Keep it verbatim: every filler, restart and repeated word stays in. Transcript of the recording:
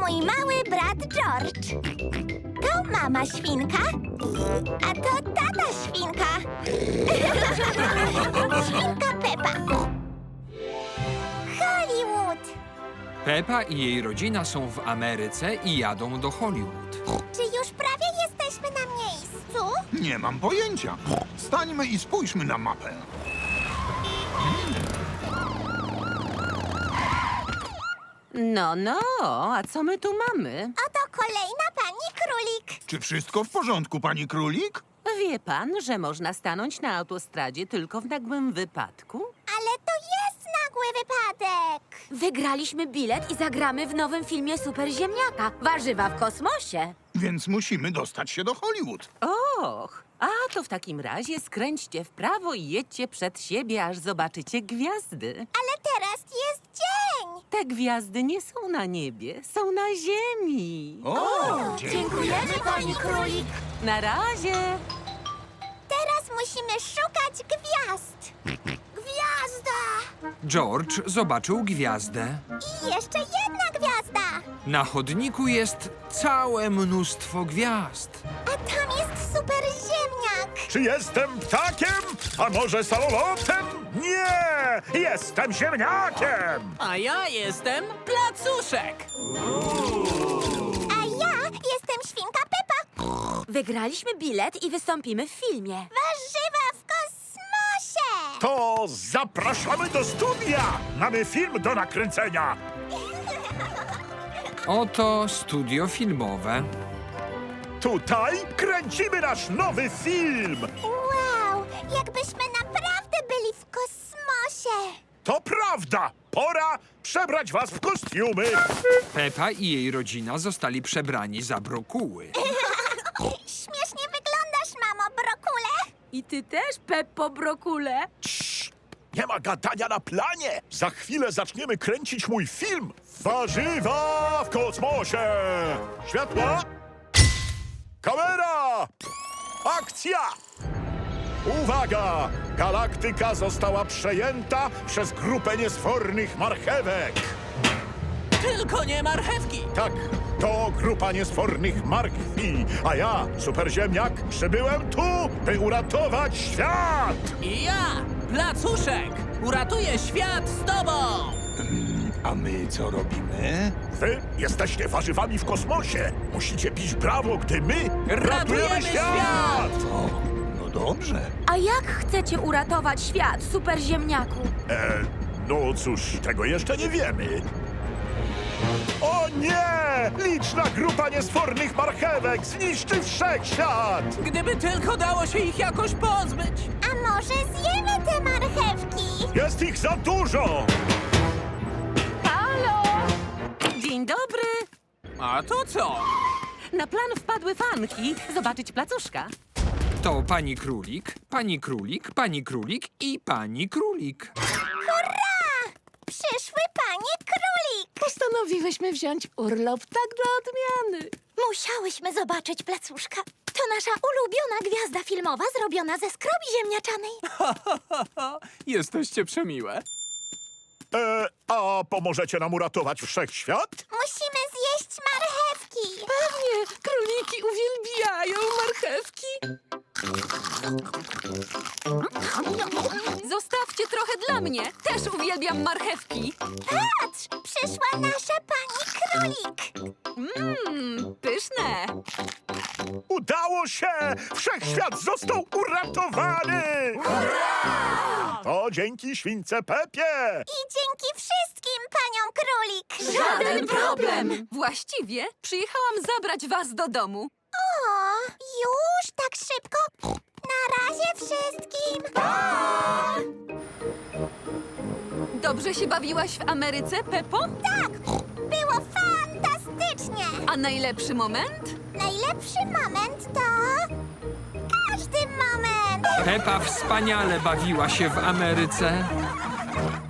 mój mały brat George. To mama świnka, a to tata świnka. Świnka Pepa. Hollywood. Pepa i jej rodzina są w Ameryce i jadą do Hollywood. Czy już prawie jesteśmy na miejscu? Nie mam pojęcia. Stańmy i spójrzmy na mapę. No, no, a co my tu mamy? Oto kolejna pani królik. Czy wszystko w porządku, pani królik? Wie pan, że można stanąć na autostradzie tylko w nagłym wypadku? Ale to jest nagły wypadek. Wygraliśmy bilet i zagramy w nowym filmie Super Ziemniaka. Warzywa w kosmosie. Więc musimy dostać się do Hollywood. Och, a to w takim razie skręćcie w prawo i jedźcie przed siebie, aż zobaczycie gwiazdy. Ale teraz jest dzień. Te gwiazdy nie są na niebie, są na ziemi. O, Dziękujemy, pani królik. Na razie. Teraz musimy szukać gwiazd. Gwiazda! George zobaczył gwiazdę. I jeszcze jedna gwiazda. Na chodniku jest całe mnóstwo gwiazd. A tam jest super ziemniak. Czy jestem ptakiem? A może samolotem? Nie! Jestem ziemniakiem! A ja jestem Placuszek. A ja jestem świnka Pepa. Wygraliśmy bilet i wystąpimy w filmie. Warzywa w kosmosie. To zapraszamy do studia! Mamy film do nakręcenia! Oto studio filmowe. Tutaj kręcimy nasz nowy film! Wow, jakbyśmy naprawdę byli w kosmosie. To prawda! Pora przebrać was w kostiumy! Pepa i jej rodzina zostali przebrani za brokuły. Śmiesznie wyglądasz, mamo Brokule. I ty też, Peppo Brokule? Nie ma gadania na planie! Za chwilę zaczniemy kręcić mój film! Warzywa w kosmosie! Światła! Kamera! Akcja! Uwaga! Galaktyka została przejęta przez grupę niesfornych marchewek. Tylko nie marchewki. Tak, to grupa niesfornych marchwi, a ja, superziemniak, przybyłem tu, by uratować świat! I ja, Placuszek, uratuję świat z tobą. A my co robimy? Wy jesteście warzywami w kosmosie. Musicie bić brawo, gdy my Ratujemy świat! O, no dobrze. A jak chcecie uratować świat, Super Ziemniaku? E, no cóż, tego jeszcze nie wiemy. O nie! Liczna grupa niesfornych marchewek zniszczy wszechświat! Gdyby tylko dało się ich jakoś pozbyć. A może zjemy te marchewki? Jest ich za dużo! Halo! Dzień dobry. A to co? Na plan wpadły fanki zobaczyć Placuszka. To pani królik, pani królik, pani królik i pani królik. Przyszły panie królik. Postanowiłyśmy wziąć urlop tak dla odmiany. Musiałyśmy zobaczyć Placuszka. To nasza ulubiona gwiazda filmowa zrobiona ze skrobi ziemniaczanej. Jesteście przemiłe. E, a pomożecie nam uratować wszechświat? Musimy zjeść marchewki. Pewnie, króliki uwielbiają marchewki. Zostawcie trochę dla mnie. Też uwielbiam marchewki. Patrz, przyszła nasza pani królik. Mmm, pyszne. Udało się! Wszechświat został uratowany! To dzięki śwince Pepie! I dzięki wszystkim paniom królik. Żaden problem. Właściwie przyjechałam zabrać was do domu. O, już tak szybko? Na razie wszystkim. Dobrze się bawiłaś w Ameryce, Peppo? Tak, było fantastycznie. A najlepszy moment? Najlepszy moment to... Każdy moment. Pepa wspaniale bawiła się w Ameryce.